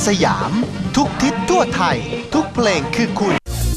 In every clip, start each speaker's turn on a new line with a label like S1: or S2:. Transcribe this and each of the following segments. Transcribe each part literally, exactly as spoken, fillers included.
S1: สยามทุกทิศทั่วไทยทุกเพลงคือคุณ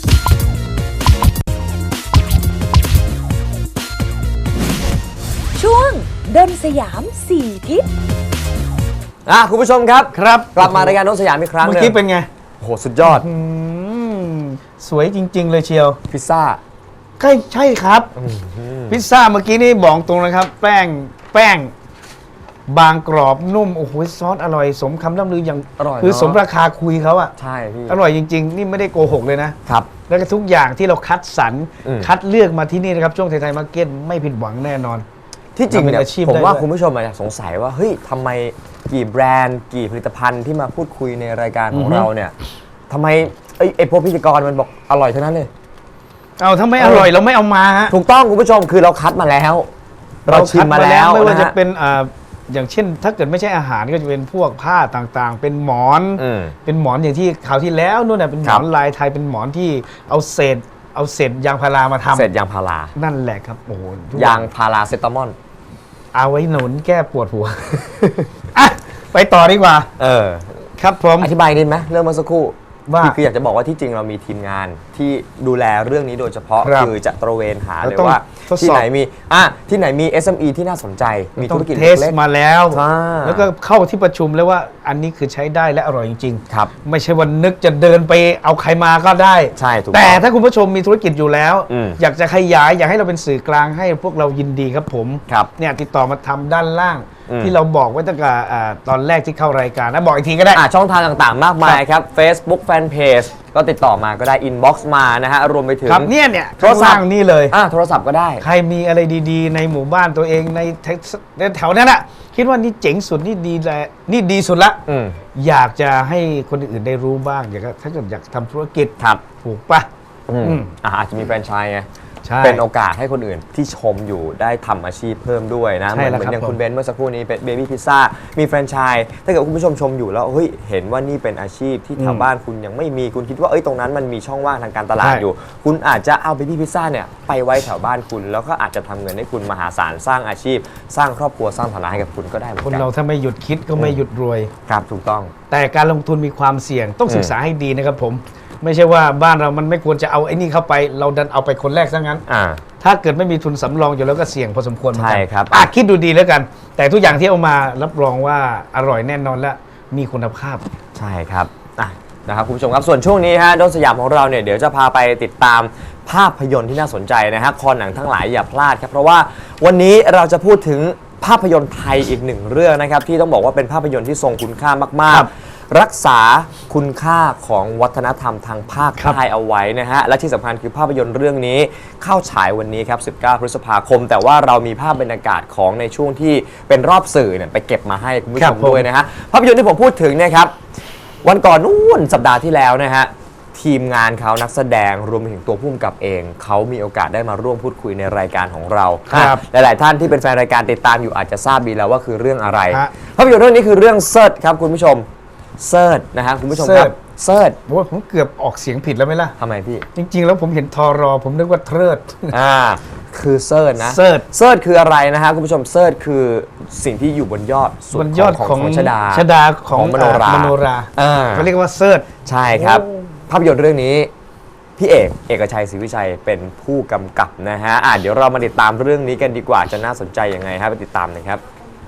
S2: ช่วงดนสยามสี่ทิศ
S3: อ่ะคุณผู้ชมครับ
S4: ครับ
S3: กลับมารายการดนสยามอีกครั้ง
S4: เมื่
S3: นึ
S4: อง กี้เป็นไง
S3: โอ้โหสุดยอด
S4: อืมสวยจริง ๆ เลยเชียว
S3: พิซซ่า
S4: ใช่ใช่ครับ พิซซ่าเมื่อกี้นี่บอกตรงนะครับ แป้งแป้ง บางกรอบนุ่มโอ้โหซอสอร่อยสมคำล่ำลืออย่าง
S3: อร่อย
S4: คือ
S3: เนอะ
S4: สมราคาคุยเขาอะ
S3: ใช่พี่
S4: อร่อยจริง ๆ นี่ไม่ได้โกหกเลยนะ
S3: ครับ
S4: แล้วก็ทุกอย่างที่เราคัดสรร
S3: อืม
S4: คัดเลือกมาที่นี่นะครับ ช่วงไทยๆมาร์เก็ตไม่ผิดหวังแน่นอน
S3: ที่จริงเนี่ย
S4: ทำเป็นอาชีพ
S3: ผม
S4: ได้
S3: ว่า
S4: ด้วย
S3: คุณผู้ชมอาจจะสงสัยว่าเฮ้ยทำไมกี่แบรนด์กี่ผลิตภัณฑ์ที่มาพูดคุยในรายการของ
S4: อือฮึ
S3: เราเนี่ยทำไมไอ้ไอ้พวกพิธีกรมันบอกอร่อยเท่านั้นเลย
S4: เอาถ้าไม่อร่อยเราไม่เอามาฮะ
S3: ถูกต้องคุณผู้ชมคือเราคัดมาแล้ว เราชิมมาแล้ว
S4: ไม่ว่า
S3: นะ
S4: จะ
S3: ฮะ
S4: เป็นอ่าอย่างเช่น ถ้าเกิดไม่ใช่อาหารก็จะเป็นพวกผ้าต่างๆ เป็นหมอน
S3: อืม
S4: เป็นหมอนอย่างที่คราวที่แล้วนู่นน่ะเป็นหม
S3: ครั
S4: อบ นลายไทยเป็นหมอนที่เอาเศษเอาเศษยางพารามาทำ
S3: เสร็จยางพารา
S4: นั่นแหละครับโอ้โหทุก
S3: ยางพาราเซตามอล
S4: เอาไว้หนุนแก้ปวดหัว อ่ะไปต่อดีกว่า
S3: เออ
S4: ครับผม
S3: อธิบายนิดไหมเรื่องเมื่อสักครู่
S4: ว่า
S3: คือคืออยากจะบอกว่าที่จริงเรามีทีมงานที่ดูแลเรื่องนี้โดยเฉพาะ
S4: ครับ
S3: คือจะตระเวนหา
S4: เรา
S3: เลย
S4: ต้อง
S3: ว่า
S4: ทดสอบ
S3: ที่ไหนมีอ่ะที่ไหนมี เอส เอ็ม อี ที่น่าสนใจมี
S4: ต้อ
S3: ธุ
S4: ง
S3: รกิจ
S4: เทส
S3: เล็ก
S4: มาแล้ว
S3: อ่า
S4: แล้วก็เข้าที่ประชุมแล้วว่าอันนี้คือใช้ได้และอร่อยจริง
S3: ๆครับ
S4: ๆ ไม่ใช่ว่านึกจะเดินไปเอาใครมาก็ได้
S3: ใช่ถูก
S4: แต่
S3: ต้อง
S4: ถ้าคุณผู้ชมมีธุรกิจอยู่แล้ว
S3: อืม
S4: อยากจะขยายอยากให้เราเป็นสื่อกลางให้พวกเรายินดีครับผม
S3: ครับ
S4: เนี่ยติดต่อมาทำด้านล่าง
S3: อืม
S4: ที่เราบอกไว้ตั้งแต่อ่าตอนแรกที่เข้ารายการนะบอกอีกทีก็ได้
S3: อ่ะช่องทางต่างๆ มากมายครับ Facebook Fanpage ก็ติดต่อมาก็ได้ Inbox มานะฮะรวมไปถึง
S4: ครับเนี่ยเนี่ย
S3: โทรศัพท์
S4: ข้างล่างนี่เลย
S3: อ่ะโทรศัพท์ก็ได้
S4: ใครมีอะไรดีๆ ในหมู่บ้านตัวเองในแถวในแถวนั้นอะคิดว่านี่เจ๋งสุดนี่ดีแลนี่ดีสุดละ
S3: อืม
S4: อยากจะให้คนอื่นได้รู้บ้างอยากจะถ้าเกิดอยากทำธุรกิจ
S3: ครับ
S4: ถูกปะ
S3: อืม
S4: อืม
S3: อ่ะอาจจะมีแฟรนไชส์ไง
S4: ใช่
S3: เป็นโอกาสให้คนอื่นที่ชมอยู่ได้ทำอาชีพเพิ่มด้วยนะ
S4: ใช่
S3: เหมือน
S4: แล้ว
S3: เหมือนอย่าง
S4: ครับ
S3: คุณเบนซ์เมื่อสักครู่นี้เป็นเบบี้พิซซ่ามีแฟรนไชส์ถ้าเกิดคุณผู้ชมชมอยู่แล้วเฮ้ยเห็นว่านี่เป็นอาชีพที่แถวบ้านคุณยังไม่มีคุณคิดว่าเอ้ยตรงนั้นมันมีช่องว่างทางการตลาดอยู่ คุณอาจจะเอาเบบี้พิซซ่าเนี่ยไปไว้แถวบ้านคุณ แล้วก็อาจจะทำเงินให้คุณมหาศาลสร้างอาชีพ สร้างครอบครัวสร้างฐานะให้กับคุณก็ได้เหมือน
S4: คน
S3: กัน
S4: เราถ้าไม่หยุดคิดก็ไม่หยุดรวย
S3: ครับถูกต้อง
S4: แต่การลงทุนมีความเสี่ยงต้อง
S3: อืม
S4: ศึกษาให้ดีนะครับผม ไม่ใช่ว่าบ้านเรามันไม่ควรจะเอาไอ้นี่เข้าไป เราดันเอาไปคนแรกซะงั้น
S3: อ่า
S4: ถ้าเกิดไม่มีทุนสำรองอยู่แล้วก็เสี่ยงพอสมควรเหมือนกั
S3: ใช่ครับ
S4: อ่ะคิดดูดีแล้วกัน แต่ทุกอย่างที่เอามารับรองว่าอร่อยแน่นอนและมีคุณภาพ
S3: ใช่ครับอ่ะนะครับคุณผู้ชมครับส่วนช่วงนี้ฮะดนสยามของเราเนี่ยเดี๋ยวจะพาไปติดตามภาพยนตร์ที่น่าสนใจนะฮะคอหนังทั้งหลายอย่าพลาดครับเพราะว่าวันนี้เราจะพูดถึงภาพยนตร์ไทยอีกหนึ่งเรื่องนะครับที่ต้องบอกว่าเป็นภาพยนตร์ที่ทรงคุณค่ามาก
S4: ครับ
S3: ๆ รักษาคุณค่าของวัฒนธรรมทางภาค
S4: ครับ
S3: ใต้เอาไว้นะฮะและที่สำคัญคือภาพยนตร์เรื่องนี้เข้าฉายวันนี้ครับสิบเก้าพฤษภาคม แต่ว่าเรามีภาพบรรยากาศของในช่วงที่เป็นรอบสื่อเนี่ยไปเก็บมาให้คุณผู้ชมด้วยนะฮะภาพยนตร์ที่ผมพูดถึงเนี่ยครับ วันก่อนนู่นสัปดาห์ที่แล้วนะฮะทีมงานเขานักแสดงรวมไปถึงตัวผู้กำกับเอง เขามีโอกาสได้มาร่วมพูดคุยในรายการของเรา
S4: ครับ
S3: หลายๆท่านที่เป็นแฟนรายการติดตามอยู่อาจจะทราบดีแล้วว่าคือเรื่องอะไร
S4: ฮะ
S3: ภาพยนตร์เรื่องนี้คือเรื่องเซิร์ชครับคุณผู้ชมเซิร์ชนะฮะคุณผู้ชมครับเซิร์ช
S4: โอ้ยผมเกือบออกเสียงผิดแล้วไหมล่ะ
S3: ทำไมพี่
S4: จริง ๆ แล้วผมเห็นทอรอผมนึกว่าเทิด
S3: อ่าคือเซิร์ชนะ
S4: เสิร์ช
S3: เซิร์ชคืออะไรนะฮะคุณผู้ชมเซิร์ชคือสิ่งที่อยู่บนยอดสุด
S4: บนยอด
S3: ของ
S4: ของ
S3: ของชดา
S4: ชดาของ
S3: ของมโนรา
S4: อ่มโนรา
S3: อ่า
S4: เขาเรียกว่าเซิร์ช
S3: ใช่ครับ
S4: โอ้
S3: ภาพยนตร์เรื่องนี้พี่เอกเอกชัยศรีวิชัยเป็นผู้กำกับนะฮะอ่ะเดี๋ยวเรามาติดตามเรื่องนี้กันดีกว่าจะน่าสนใจยังไงครับไปติดตามนะครับ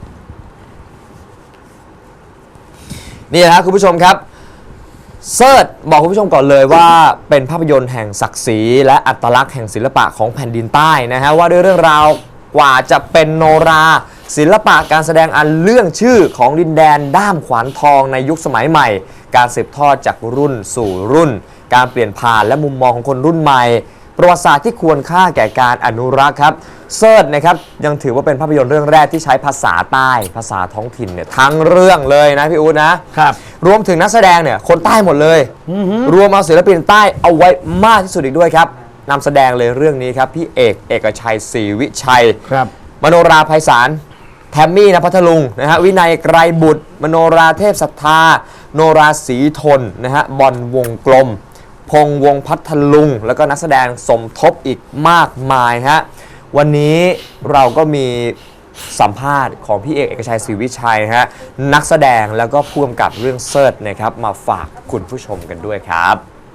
S3: นี่นะฮะคุณผู้ชมครับเซิร์ชบอกคุณผู้ชมก่อนเลยว่าเป็นภาพยนตร์แห่งศักดิ์ศรีและอัตลักษณ์แห่งศิลปะของแผ่นดินใต้นะฮะว่าด้วยเรื่องราวกว่าจะเป็นโนราศิลปะการแสดงอันเรื่องชื่อของดินแดนด้ามขวานทองในยุคสมัยใหม่ การสืบทอดจากรุ่นสู่รุ่น การเปลี่ยนผ่านและมุมมองของคนรุ่นใหม่ ประวัติศาสตร์ที่ควรค่าแก่การอนุรักษ์ครับเซิร์ชนะครับยังถือว่าเป็นภาพยนตร์เรื่องแรกที่ใช้ภาษาใต้ภาษาท้องถิ่นเนี่ยทั้งเรื่องเลยนะพี่อู๊ดนะครับ รวมถึงนักแสดงเนี่ยคนใต้หมดเลยรวมเอาศิลปินใต้เอาไว้มากที่สุดอีกด้วยครับนำแสดงเลยเรื่องนี้ครับพี่เอกเอกชัยศรีวิชัย
S4: ครับ
S3: มโนราไพศาลแทมมี่ณพัทลุงนะฮะวินัยไกรบุตร มโนราเทพศรัทธาโนราศรีทนนะฮะบอลวงกลม พงษ์วงพัทลุง แล้วก็นักแสดงสมทบอีกมากมายฮะวันนี้เราก็มีสัมภาษณ์ของพี่เอกเอกชัยศรีวิชัยนะฮะนักแสดงแล้วก็ผู้กำกับเรื่องเซิร์ชนะครับมาฝากคุณผู้ชมกันด้วยครับ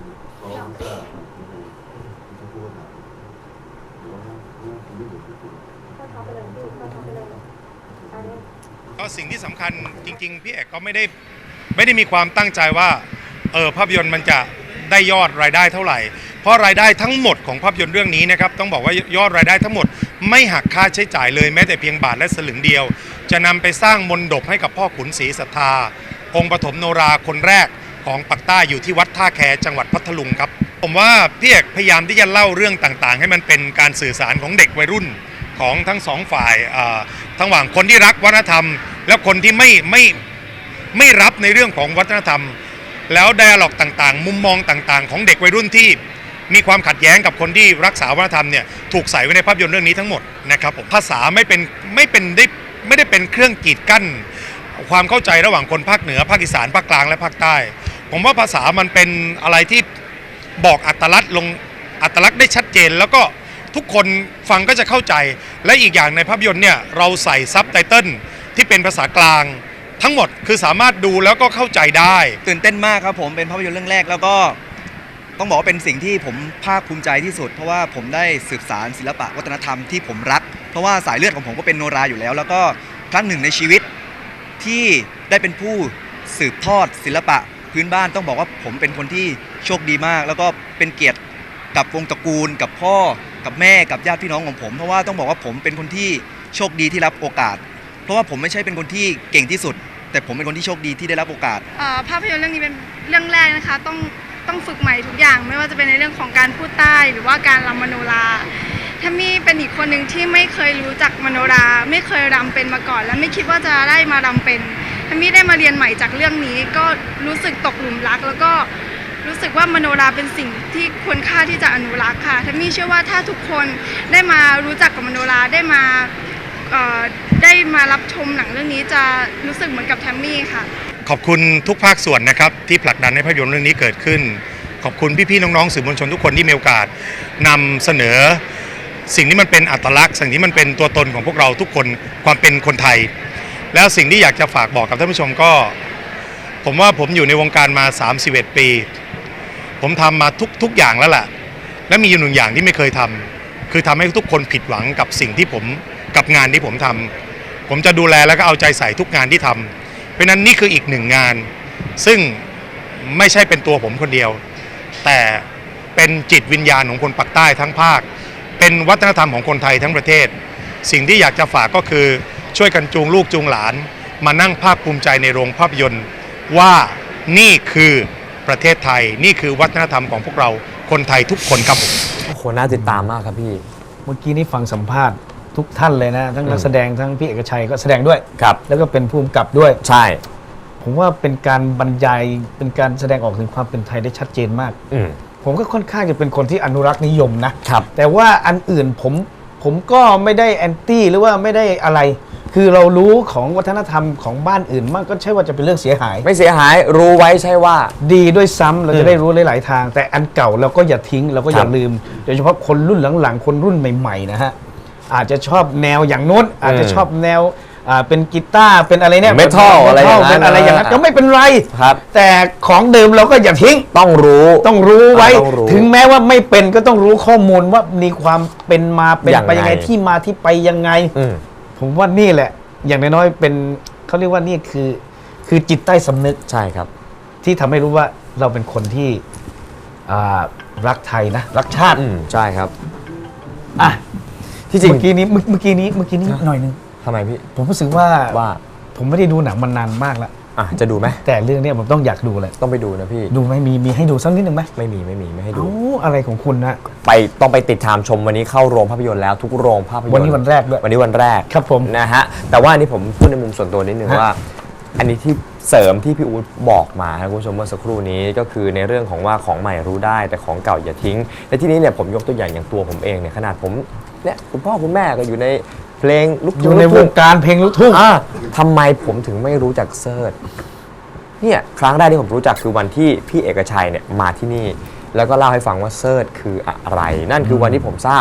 S5: ก็สิ่งที่สำคัญจริงๆพี่เอกก็ไม่ได้ไม่ได้มีความตั้งใจว่าเออภาพยนตร์มันจะได้ยอดรายได้เท่าไหร่เพราะรายได้ทั้งหมดของภาพยนตร์เรื่องนี้นะครับต้องบอกว่ายอดรายได้ทั้งหมดไม่หักค่าใช้จ่ายเลยแม้แต่เพียงบาทและสลึงเดียว จะนำไปสร้างมนดบให้กับพ่อขุนศรีศรัทธาองค์ปฐมโนราคนแรกของปักใต้อยู่ที่วัดท่าแคจังหวัดพัทลุงครับผมว่าพี่เอกพยายามที่จะเล่าเรื่องต่างๆให้มันเป็นการสื่อสารของเด็กวัยรุ่นของทั้งสองฝ่ายทั้งหว่างคนที่รักวัฒนธรรมแล้วคนที่ไม่ไม่ไม่รับในเรื่องของวัฒนธรรมแล้วไดอะล็อกต่างๆมุมมองต่างๆของเด็กวัยรุ่นที่มีความขัดแย้งกับคนที่รักษาวัฒนธรรมเนี่ยถูกใส่ไว้ในภาพยนตร์เรื่องนี้ทั้งหมดนะครับผมภาษาไม่เป็นไม่เป็นได้ไม่ได้เป็นเครื่องกีดกั้นความเข้าใจระหว่างคนภาคเหนือภาคอีสานภาคกลางและภาคใต้ผมว่าภาษามันเป็นอะไรที่บอกอัตลักษณ์ลงอัตลักษณ์ได้ชัดเจนแล้วก็ทุกคนฟังก็จะเข้าใจและอีกอย่างในภาพยนตร์เนี่ยเราใส่ซับไตเติลที่เป็นภาษากลางทั้งหมดคือสามารถดูแล้วก็เข้าใจได้
S6: ตื่นเต้นมากครับผมเป็นภาพยนตร์เรื่องแรกแล้วก็ต้องบอกว่าเป็นสิ่งที่ผมภาคภูมิใจที่สุดเพราะว่าผมได้สืบสารศิลปะวัฒนธรรมที่ผมรักเพราะว่าสายเลือดของผมก็เป็นโนราอยู่แล้วแล้วก็ครั้งหนึ่งในชีวิตที่ได้เป็นผู้สืบทอดศิลปะพื้นบ้านต้องบอกว่าผมเป็นคนที่โชคดีมากแล้วก็เป็นเกียรติกับวงตระกูลกับพ่อกับแม่กับญาติพี่น้องของผมเพราะว่าต้องบอกว่าผมเป็นคนที่โชคดีที่รับโอกาสเพราะว่าผมไม่ใช่เป็นคนที่เก่งที่สุดแต่ผมเป็นคนที่โชคดีที่ได้รับโอกาส
S7: ภาพยนตร์เรื่องนี้เป็นเรื่องแรกนะคะต้องต้องฝึกใหม่ทุกอย่างไม่ว่าจะเป็นในเรื่องของการพูดใต้หรือว่าการรำมโนราถ้ามีเป็นอีกคนหนึ่งที่ไม่เคยรู้จักมโนราไม่เคยรำเป็นมาก่อนและไม่คิดว่าจะได้มารำเป็นถ้ามีได้มาเรียนใหม่จากเรื่องนี้ก็รู้สึกตกหลุมรักแล้วก็รู้สึกว่ามโนราเป็นสิ่งที่ควรค่าที่จะอนุรักษ์ค่ะถ้ามีเชื่อว่าถ้าทุกคนได้มารู้จักกับมโนราได้มาได้มารับชมหนังเรื่องนี้จะรู้สึกเหมือนกับแทมมี่ค่ะ
S5: ขอบคุณทุกภาคส่วนนะครับที่ผลักดันให้ภาพยนตร์เรื่องนี้เกิดขึ้นขอบคุณพี่ๆน้องๆสื่อมวลชนทุกคนที่มีโอกาสนำเสนอสิ่งที่มันเป็นอัตลักษณ์สิ่งที่มันเป็นตัวตนของพวกเราทุกคนความเป็นคนไทยแล้วสิ่งที่อยากจะฝากบอกกับท่านผู้ชมก็ผมว่าผมอยู่ในวงการมาสามสิบเอ็ดปีผมทำมาทุกทุกอย่างแล้วแหละและมีอยู่หนึ่งอย่างที่ไม่เคยทำคือทำให้ทุกคนผิดหวังกับสิ่งที่ผมกับงานที่ผมทำผมจะดูแลแล้วก็เอาใจใส่ทุกงานที่ทำเพราะนั้นนี่คืออีกหนึ่งงานซึ่งไม่ใช่เป็นตัวผมคนเดียวแต่เป็นจิตวิญญาณของคนปักใต้ทั้งภาคเป็นวัฒนธรรมของคนไทยทั้งประเทศสิ่งที่อยากจะฝากก็คือช่วยกันจูงลูกจูงหลานมานั่งภาคภูมิใจในโรงภาพยนตร์ว่านี่คือประเทศไทยนี่คือวัฒนธรรมของพวกเราคนไทยทุกคนครับผม
S3: โอ้โหน่าติดตามมากครับพี่
S4: เมื่อกี้นี้ฟังสัมภาษณ์ทุกท่านเลยนะทั้งนักแสดงทั้งพี่เอกชัยก็แสดงด้วย
S3: ครับ
S4: แล้วก็เป็นผู้กำกับด้วย
S3: ใช่
S4: ผมว่าเป็นการบรรยายเป็นการแสดงออกถึงความเป็นไทยได้ชัดเจนมากผมก็ค่อนข้างจะเป็นคนที่อนุรักษ์นิยมนะครับแต่ว่าอันอื่นผมผมก็ไม่ได้แอนตี้หรือว่าไม่ได้อะไรคือเรารู้ของวัฒนธรรมของบ้านอื่นมากก็ใช่ว่าจะเป็นเรื่องเสียหาย
S3: ไม่เสียหายรู้ไว้ใช่ว่า
S4: ดีด้วยซ้ำเราจะได้รู้หลายๆทางแต่อันเก่าเราก็อย่าทิ้งเราก็อย่าลืมโดยเฉพาะคนรุ่นหลังๆคนรุ่นใหม่ๆนะฮะอาจจะชอบแนวอย่างโน้นอาจจะชอบแนวเป็นกีตาร์เป็นอะไรเนี่ย
S3: เมทัลอะไร
S4: เป็นอะไรอย่างนั้นก็ไม่เป็นไรแต่ของเดิมเราก็อย่าทิ้ง
S3: ต้องรู้
S4: ต้องรู้ไว้ถึงแม้ว่าไม่เป็นก็ต้องรู้ข้อมูลว่ามีความเป็นมาเป็นไปยังไงที่มาที่ไปยังไงผมว่านี่แหละอย่างน้อยๆเป็นเขาเรียกว่านี่คือคือจิตใต้สำนึก
S3: ใช่ครับ
S4: ที่ทำให้รู้ว่าเราเป็นคนที่รักไทยนะรักชาติ
S3: ใช่ครับ
S4: อ่ะที่จริงเมื่อกี้นี้เมื่อกี้นี้เมื่อกี้นี้หน่อยนึง
S3: ทำไมพี่
S4: ผมรู้สึกว่า
S3: ว่า
S4: ผมไม่ได้ดูหนังมานานมากแล้ว
S3: อ่ะจะดูไหม
S4: แต่เรื่องนี้ผมต้องอยากดูเลย
S3: ต้องไปดูนะพี่
S4: ดูไหมมีมีให้ดูสักนิดหนึ่งไหม
S3: ไม่มีไม่มีไม่ให้ดู
S4: อะไรของคุณนะ
S3: ไปต้องไปติดตามชมวันนี้เข้าโรงภาพยนตร์แล้วทุกโรงภาพยนตร์
S4: วันนี้วันแรกด้วย
S3: วันนี้วันแรก
S4: ครับผม
S3: นะฮะแต่ว่าอันนี้ผมพูดในมุมส่วนตัวนิดนึงว่าอันนี้ที่เสริมที่พี่อู๊ดบอกมาครับคุณผู้ชมเมื่อสักครู่นี้ก็คือในเรื่องของว่าของใหม่รู้ได้แต่ของเก่าอย่าทิ้งและที่นี้เนี่ยผมยกตัวอย่างอย่างตัวผมเองเนี่ยขนาดผมเนี่ยคุณพ่อคุณแม่ก็อยู่ในเพลงลูกทุ่ง
S4: ในวงการเพลงลูกทุ่ง
S3: ทำไมผมถึงไม่รู้จักเซิร์ชเนี่ยครั้งแรกที่ผมรู้จักคือวันที่พี่เอกชัยเนี่ยมาที่นี่แล้วก็เล่าให้ฟังว่าเซิร์ชคืออะไรนั่นคือวันที่ผมทราบ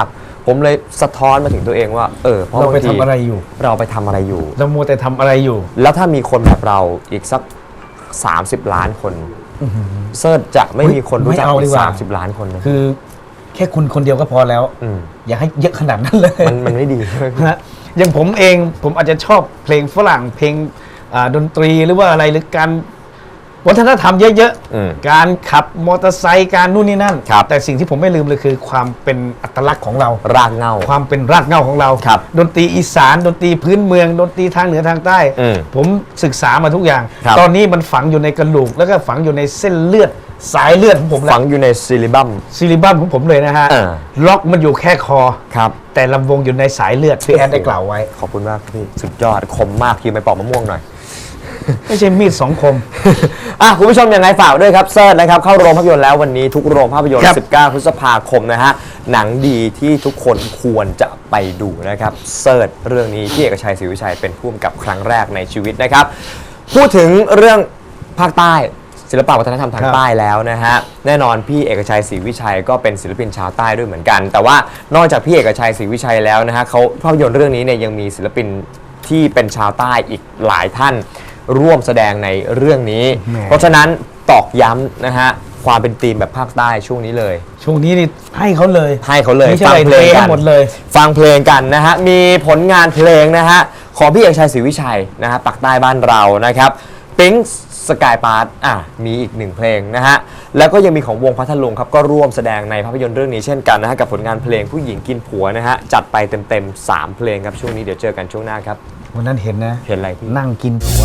S3: ผมเลยสะท้อนมาถึงตัวเองว่าเออเพราะ
S4: เราไป
S3: บงที
S4: ทำอะไรอยู่
S3: เราไปทำอะไรอยู่
S4: เรามัวแต่ทำอะไรอยู่
S3: แล้วถ้ามีคนแบบเราอีกสัก สามสิบ ล้านคนเซิร์ชจะไม่มีคนรู้จัก
S4: ไม่เอาดี
S3: อีก
S4: กว่า
S3: สามสิบ ล้านคนนะ
S4: คือแค่คุณคนเดียวก็พอแล้ว
S3: ม
S4: อย่าให้เยอะขนาดนั้นเลย
S3: มันมันไม่ดี
S4: นะอย่างผมเองผมอาจจะชอบเพลงฝรั่งเพลงอ่าดนตรีหรือว่าอะไรหรือการวัฒนธรรมเยอะ
S3: อืม
S4: ๆการขับมอเตอร์ไซค์การนู่นนี่นั่น
S3: ครับ
S4: แต่สิ่งที่ผมไม่ลืมเลยคือความเป็นอัตลักษณ์ของเรา
S3: รากเหง้า
S4: ความเป็นรากเหง้าของเรา
S3: ครับ
S4: ดนตรีอีสานดนตรีพื้นเมืองดนตรีทางเหนือทางใต้
S3: อืม
S4: ผมศึกษามาทุกอย่าง
S3: ครับ
S4: ตอนนี้มันฝังอยู่ในกระดูกแล้วก็ฝังอยู่ในเส้นเลือดสายเลือดของผมแล้
S3: ฝั
S4: ว
S3: งอยู่ในซิลิบัม
S4: ซิลิบัมของผมเลยนะฮะ
S3: เออ
S4: ล็อกมันอยู่แค่คอ
S3: ครับ
S4: แต่ลำวงอยู่ในสายเลือดที่แอดได้กล่าวไว้
S3: ขอบคุณมากพี่สุดยอดคมมากพี่ไปปอกมะม่วงหน่อย
S4: ไม่ใช่มีดสองคม
S3: อ่ะคุณผู้ชมยังไงฝากด้วยครับเซิร์ชนะครับเข้าโรงภาพยนตร์แล้ววันนี้ทุกโรงภาพยนตร์
S4: ครับ
S3: สิบเก้า พฤษภาคมนะฮะหนังดีที่ทุกคนควรจะไปดูนะครับเซิร์ชเรื่องนี้พี่เอกชัยศรีวิชัยเป็นผู้กำกับครั้งแรกในชีวิตนะครับพูดถึงเรื่องภาคใต้ศิลปวัฒนธรรมทางใต้แล้วนะฮะแน่นอนพี่เอกชัยศรีวิชัยก็เป็นศิลปินชาวใต้ด้วยเหมือนกัน แต่ว่านอกจากพี่เอกชัยศรีวิชัยแล้วนะฮะเขาภาพยนตร์เรื่องนี้เนี่ยยังมีศิลปินที่เป็นชาวใต้อีกหลายท่านร่วมแสดงในเรื่องนี้
S4: แหม
S3: เพราะฉะนั้นตอกย้ำนะฮะความเป็นธีมแบบภาคใต้ช่วงนี้เลย
S4: ช่วงนี้นี่ให้เขาเลย
S3: ให้เขาเลย
S4: ไม่ใช่
S3: ฟั
S4: อะไร
S3: เพลง
S4: เท
S3: กั
S4: ให้หมดเลย
S3: ฟังเพลงกันนะฮะมีผลงานเพลงนะฮะของพี่เอกชัยศรีวิชัยนะฮะปักใต้บ้านเรานะครับปิ๊งสกายปาร์ตอ่ะมีอีกหนึ่งเพลงนะฮะแล้วก็ยังมีของวงพัทลุงครับก็ร่วมแสดงในภาพยนตร์เรื่องนี้เช่นกันนะฮะกับผลงานเพลงผู้หญิงกินผัวนะฮะจัดไปเต็มๆสามเพลงครับช่วงนี้เดี๋ยวเจอกันช่วงหน้าครับ
S4: วันนั้นเห็นนะ
S3: เห็นอะไรพี่
S4: นั่งกินผัว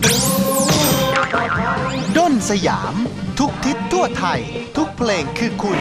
S1: ด้นสยาม ทุกทิศทั่วไทย ทุกเพลงคือคุณ